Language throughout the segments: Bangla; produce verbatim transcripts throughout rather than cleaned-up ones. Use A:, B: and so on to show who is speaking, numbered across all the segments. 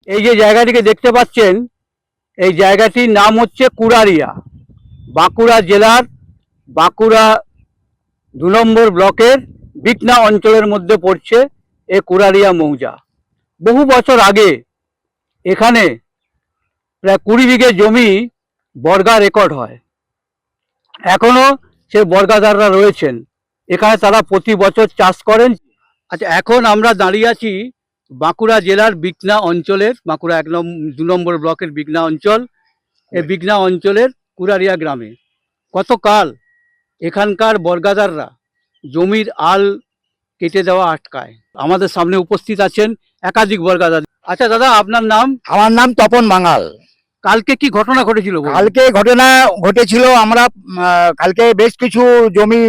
A: এই যে জায়গাটিকে দেখতে পাচ্ছেন, এই জায়গাটির নাম হচ্ছে কুড়ারিয়া। বাঁকুড়া জেলার বাঁকুড়া দু নম্বর ব্লকের বিকনা অঞ্চলের মধ্যে পড়ছে এই কুড়ারিয়া মৌজা। বহু বছর আগে এখানে প্রায় কুড়ি বিঘে জমি বর্গা রেকর্ড হয়। এখনো সেই বর্গাদাররা রয়েছেন এখানে, তারা প্রতি বছর চাষ করেন। আচ্ছা, এখন আমরা দাঁড়িয়ে আছি বাঁকুড়া জেলার বিকনা অঞ্চলের, বাঁকুড়া এক নম্বর দু নম্বর ব্লকের বিকনা অঞ্চল। এই বিকনা অঞ্চলের কুড়ারিয়া গ্রামে গতকাল এখানকার বর্গাদাররা জমির আল কেটে দেওয়া আটকায়। আমাদের সামনে উপস্থিত আছেন একাধিক বর্গাদার। আচ্ছা দাদা, আপনার নাম?
B: আমার নাম তপন বাঙাল।
A: কালকে কি ঘটনা ঘটেছিল?
B: কালকে ঘটনা ঘটেছিল, আমরা কালকে বেশ কিছু জমি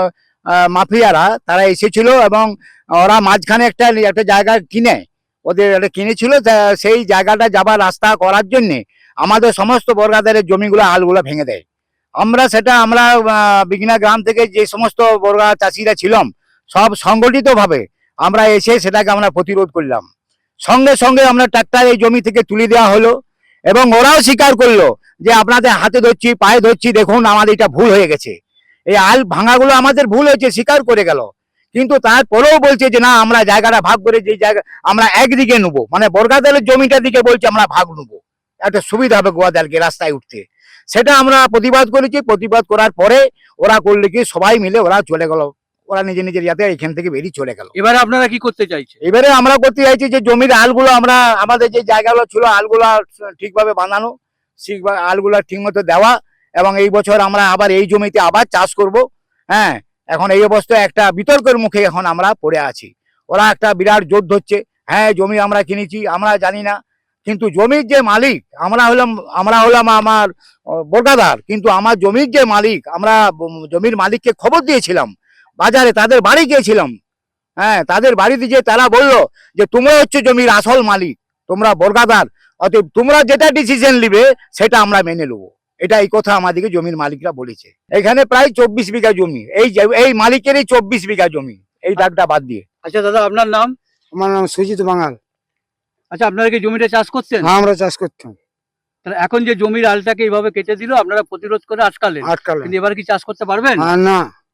B: মাফিয়ারা তারা এসেছিল এবং ওরা মাঝখানে একটা একটা জায়গা কিনে ওদের একটা কিনেছিল। সেই জায়গাটা যাবার রাস্তা করার জন্যে আমাদের সমস্ত বর্গাদারের জমিগুলো আলগুলো ভেঙে দেয়। আমরা সেটা আমরা বিঘ্না গ্রাম থেকে যে সমস্ত বর্গা চাষিরা ছিলাম সব সংগঠিতভাবে আমরা এসে সেটাকে আমরা প্রতিরোধ করলাম। সঙ্গে সঙ্গে আমরা ট্রাক্টর এই জমি থেকে তুলে দেওয়া হলো এবং ওরাও স্বীকার করলো যে আপনাদের হাতে ধরছি, পায়ে ধরছি, দেখুন আমাদের এটা ভুল হয়ে গেছে, এই আল ভাঙাগুলো আমাদের ভুল হয়েছে, স্বীকার করে গেল। কিন্তু তারপরেও বলছে যে না, আমরা জায়গাটা ভাগ করে যে জায়গা আমরা একদিকে নেবো, মানে বর্গাদারের জমিটার দিকে বলছে আমরা ভাগ নেবো, একটা সুবিধা হবে গোয়াদারকে রাস্তায় উঠতে। সেটা আমরা প্রতিবাদ করেছি। প্রতিবাদ করার পরে ওরা করলে কি সবাই মিলে ওরা চলে গেল, ওরা নিজে নিজের ইয়াতে এখান থেকে বেরিয়ে চলে গেল।
A: এবারে আপনারা কি করতে চাইছেন?
B: এবারে আমরা করতে চাইছি যে জমির আলগুলো আমরা আমাদের যে জায়গাগুলো ছিল আলগুলো ঠিকভাবে বানানো, ঠিকভাবে আলগুলো ঠিক মতো দেওয়া এবং এই বছর আমরা আবার এই জমিতে আবার চাষ করব। হ্যাঁ, এখন এই অবস্থায় একটা বিতর্কের মুখে এখন আমরা পড়ে আছি। ওরা একটা বিরাট জোর ধরছে, হ্যাঁ জমি আমরা কিনেছি, আমরা জানি না। কিন্তু জমির যে মালিক আমরা হলাম, আমরা হলাম আমার বর্গাদার, কিন্তু আমার জমির যে মালিক, আমরা জমির মালিককে খবর দিয়েছিলাম, বাজারে তাদের বাড়ি গিয়েছিলাম। হ্যাঁ, তাদের বাড়িতে যে তারা বললো যে তোমরা হচ্ছে জমির আসল মালিক, তোমরা বর্গাদার, অতএব তোমরা যেটা ডিসিশন নিবে সেটা আমরা মেনে নেবো। এটা এই কথা আমাদেরকে জমির মালিকরা বলেছে। এখানে প্রায় চব্বিশ বিঘা জমি, এই এই মালিকেরই চব্বিশ বিঘা জমি, এই দাগটা বাদ দিয়ে।
A: আচ্ছা দাদা, আপনার নাম?
C: আমার নাম সুজিত বাঙাল।
A: আচ্ছা, আপনারা কি জমিটা চাষ করতেন?
C: হ্যাঁ, আমরা চাষ করতাম।
A: তাহলে এখন যে জমির আলটাকে এইভাবে কেটে দিল, আপনারা প্রতিরোধ করে আটকালেন,
C: আটকালেন।
A: কিন্তু এবার কি চাষ করতে পারবেন?
C: না,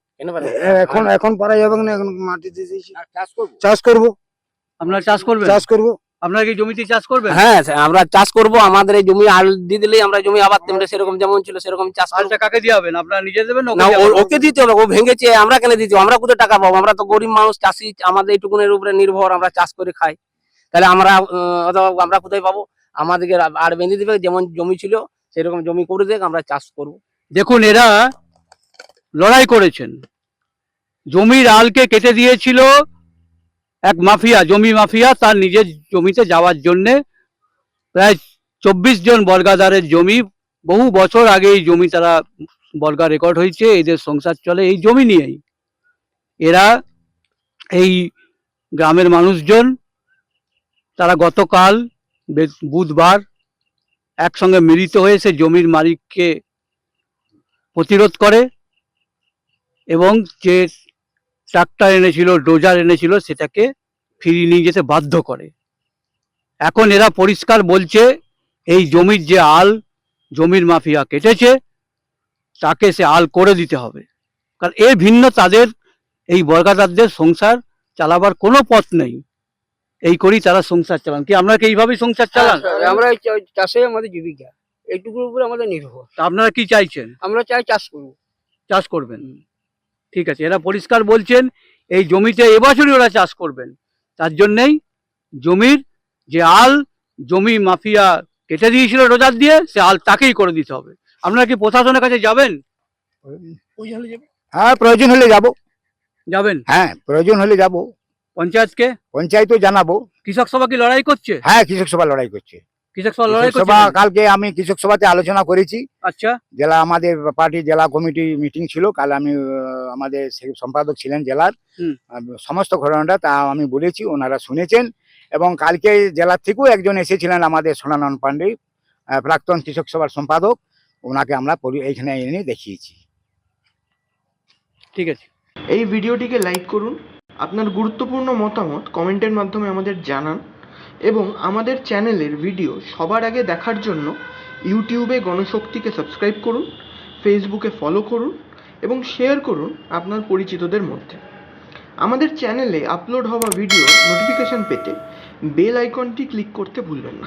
C: এখন এখন পারা যাবে না, এখন মাটি দিয়ে দিয়েছি। চাষ করবো।
A: আপনারা চাষ করবেন?
C: চাষ করবো।
A: আপনারা কি জমিতে চাষ করবেন?
D: হ্যাঁ, আমরা চাষ করব। আমাদের এই জমি আল দিয়ে দিলেই আমরা জমি আবার তেমনি সেরকম যেমন ছিল সেরকম চাষ করব।
A: আলটা কাকে দিয়ে হবেন? আপনারা নিজে দেবেন
D: না, ওকে দিতে হবে। ও ভেঙেছে, আমরা কেন দিতে? আমরা কোথায় টাকা পাবো? আমরা তো গরিব মানুষ, চাষি, আমাদের এইটুকুনের উপরে নির্ভর, আমরা চাষ করে খাই। তাহলে আমরা আমরা কোথায় পাবো? আমাদেরকে আর বেঁধে দিবে, যেমন জমি ছিল সেরকম জমি করে দেখ, আমরা চাষ করব।
A: দেখুন, এরা লড়াই করেছেন, জমির আলকে কেটে দিয়েছিল এক মাফিয়া, জমি মাফিয়া, তার নিজের জমিতে যাওয়ার জন্যে। প্রায় চব্বিশ জন বর্গাদারের জমি, বহু বছর আগে এই জমি তারা বর্গা রেকর্ড হয়েছে, এদের সংসার চলে এই জমি নিয়েই। এরা এই গ্রামের মানুষজন তারা গতকাল বুধবার একসঙ্গে মিলিত হয়ে সে জমির মালিককে প্রতিরোধ করে এবং যে ট্রাক্টর এনেছিল, ডোজার এনেছিল, সেটাকে ফিরিয়ে নিয়ে যেতে বাধ্য করে। এখন এরা পরিষ্কার বলছে এই জমির যে আল জমির মাফিয়া কেটেছে তাকে সে আল করে দিতে হবে, কারণ এর ভিন্ন তাদের এই বর্গাদারদের সংসার চালাবার কোনো পথ নেই। এই করেই তারা সংসার চালান। কি আপনারা কি এইভাবেই সংসার চালান?
E: আমরা চাষে আমাদের জীবিকা, এইটুকুর উপরে আমাদের নির্ভর।
A: আপনারা কি চাইছেন?
E: আমরা চাই চাষ করবো।
A: চাষ করবেন, ঠিক আছে। এরা পরিষ্কার বলছেন এই জমিতে এবছরই ওরা চাষ করবেন, তার জন্যেই জমির যে আল জমি মাফিয়া কেটে দিয়েছিল রোজার দিয়ে, সে আল তাকেই করে দিতে হবে। আপনারা কি প্রশাসনের কাছে যাবেন?
B: হ্যাঁ, প্রয়োজন হলে যাব।
A: যাবেন?
B: হ্যাঁ, প্রয়োজন হলে যাব।
A: পঞ্চায়েতকে?
B: পঞ্চায়েতও জানাবো।
A: কৃষক সভা কি লড়াই করছে?
B: হ্যাঁ, কৃষক সভা লড়াই করছে।
A: কৃষক সভা লড়াই করছে।
B: কালকে আমি কৃষক সভাতে আলোচনা করেছি।
A: আচ্ছা,
B: জেলা আমাদের পার্টি জেলা কমিটি মিটিং ছিল কাল। আমি আমাদের সম্পাদক ছিলেন জেলার, সমস্ত ঘটনাটা তা আমি বলেছি, ওনারা শুনেছেন। এবং কালকে জেলার থেকেও একজন এসেছিলেন আমাদের সোনানন পান্ডে, প্রাক্তন কৃষক সভার সম্পাদক, ওনাকে আমরা এইখানে এনে দেখিয়েছি।
A: ঠিক আছে।
F: এই ভিডিওটিকে লাইক করুন, আপনার গুরুত্বপূর্ণ মতামত কমেন্টের মাধ্যমে আমাদের জানান এবং আমাদের চ্যানেলের ভিডিও সবার আগে দেখার জন্য ইউটিউবে গণশক্তিকে সাবস্ক্রাইব করুন, ফেসবুকে ফলো করুন এবং শেয়ার করুন আপনার পরিচিতদের মধ্যে। আমাদের চ্যানেলে আপলোড হওয়া ভিডিও নোটিফিকেশন পেতে বেল আইকনটি ক্লিক করতে ভুলবেন না।